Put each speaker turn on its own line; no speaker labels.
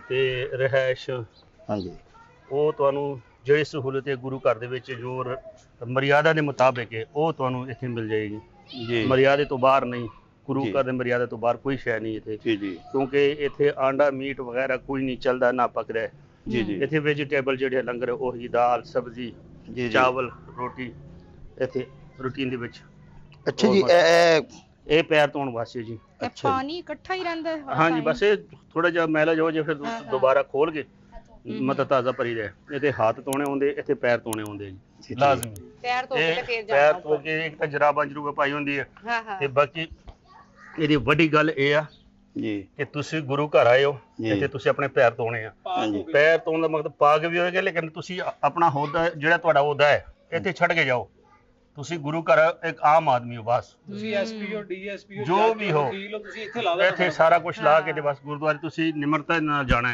ਤੇ ਰਹਿائش
ਹਾਂਜੀ
ਉਹ ਤੁਹਾਨੂੰ ਜਿਹੜੀ ਸਹੂਲਤ ਹੈ ਗੁਰੂ ਘਰ ਦੇ ਵਿੱਚ ਜੋ ਮਰਿਆਦਾ ਦੇ ਮੁਤਾਬਿਕ ਹੈ ਉਹ ਤੁਹਾਨੂੰ ਇੱਥੇ ਮਿਲ ਜਾਏਗੀ
ਜੀ
ਮਰਿਆਦੇ ਤੋਂ ਬਾਹਰ ਨਹੀਂ ਗੁਰੂ
ਜੀ।
ਘਰ ਦੇ ਮਰਿਆਦਾ ਤੋਂ ਬਾਹਰ ਕੋਈ ਸ਼ੈ ਨਹੀਂ ਇੱਥੇ
ਜੀ ਜੀ
ਕਿਉਂਕਿ ਇੱਥੇ ਆਂਡਾ ਮੀਟ ਵਗੈਰਾ ਕੋਈ ਨਹੀਂ ਚੱਲਦਾ ਨਾ ਪਕਦਾ ਹੈ।
ਜੀ ਜੀ
ਇੱਥੇ ਵੈਜੀਟੇਬਲ ਜਿਹੜੇ ਲੰਗਰ ਉਹੀ ਦਾਲ ਸਬਜ਼ੀ
ਜੀ
ਚਾਵਲ ਰੋਟੀ ਇੱਥੇ ਰੂਟੀਨ ਦੇ ਵਿੱਚ।
ਅੱਛਾ ਜੀ
ਇਹ ਪੈਰ ਧੋਣ ਵਾਸਤੇ ਜੀ।
ਅੱਛਾ
ਪਾਣੀ ਇਕੱਠਾ ਹੀ ਰਹਿੰਦਾ ਹੈ
ਹਾਂਜੀ ਬਸ ਇਹ ਥੋੜਾ ਜਿਹਾ ਮੈਲਾ ਜੋ ਜੇ ਫਿਰ ਦੁਬਾਰਾ ਖੋਲ ਕੇ ਮਤਲਬ ਤਾਜ਼ਾ ਭਰੀ ਦਾ ਇਹਦੇ ਹੱਥ ਧੋਣੇ ਹੁੰਦੇ ਇੱਥੇ ਪੈਰ ਧੋਣੇ ਹੁੰਦੇ ਜੀ ਲਾਜ਼ਮੀ।
ਪੈਰ ਧੋ ਕੇ ਫੇਰ
ਪੈਰ ਧੋ ਕੇ ਇੱਕ ਤਾਂ ਜਰਾਬਾਂ ਜਰੂਬਾ ਪਾਈ ਹੁੰਦੀ ਹੈ
ਹਾਂ ਹਾਂ
ਤੇ ਬਾਕੀ ਇਹਦੀ ਵੱਡੀ ਗੱਲ ਇਹ ਆ
ਜੀ
ਕਿ ਤੁਸੀਂ ਗੁਰੂ ਘਰ ਆਏ ਹੋ
ਜੀ।
ਇੱਥੇ ਤੁਸੀਂ ਆਪਣੇ ਪੈਰ ਧੋਣੇ ਆ।
ਹਾਂਜੀ
ਪੈਰ ਧੋਣ ਦਾ ਮਤਲਬ ਪਾਕ ਵੀ ਹੋਏਗਾ ਲੇਕਿਨ ਤੁਸੀਂ ਆਪਣਾ ਹੋਦਾ ਜਿਹੜਾ ਤੁਹਾਡਾ ਹੋਦਾ ਹੈ ਇੱਥੇ ਛੱਡ ਕੇ ਜਾਓ। ਤੁਸੀਂ ਗੁਰੂ ਘਰ ਇੱਕ ਆਮ ਆਦਮੀ ਹੋ ਬਸ
ਤੁਸੀਂ ਐਸਪੀ ਹੋ ਡੀਐਸਪੀ ਹੋ
ਜੋ ਵੀ ਹੋ
ਵਕੀਲ ਹੋ ਤੁਸੀਂ ਇੱਥੇ ਲਾ ਦੋ
ਇੱਥੇ ਸਾਰਾ ਕੁਝ ਲਾ ਕੇ ਤੇ ਬਸ ਗੁਰਦੁਆਰੇ ਤੁਸੀਂ ਨਿਮਰਤਾ ਨਾਲ ਜਾਣਾ ਹੈ।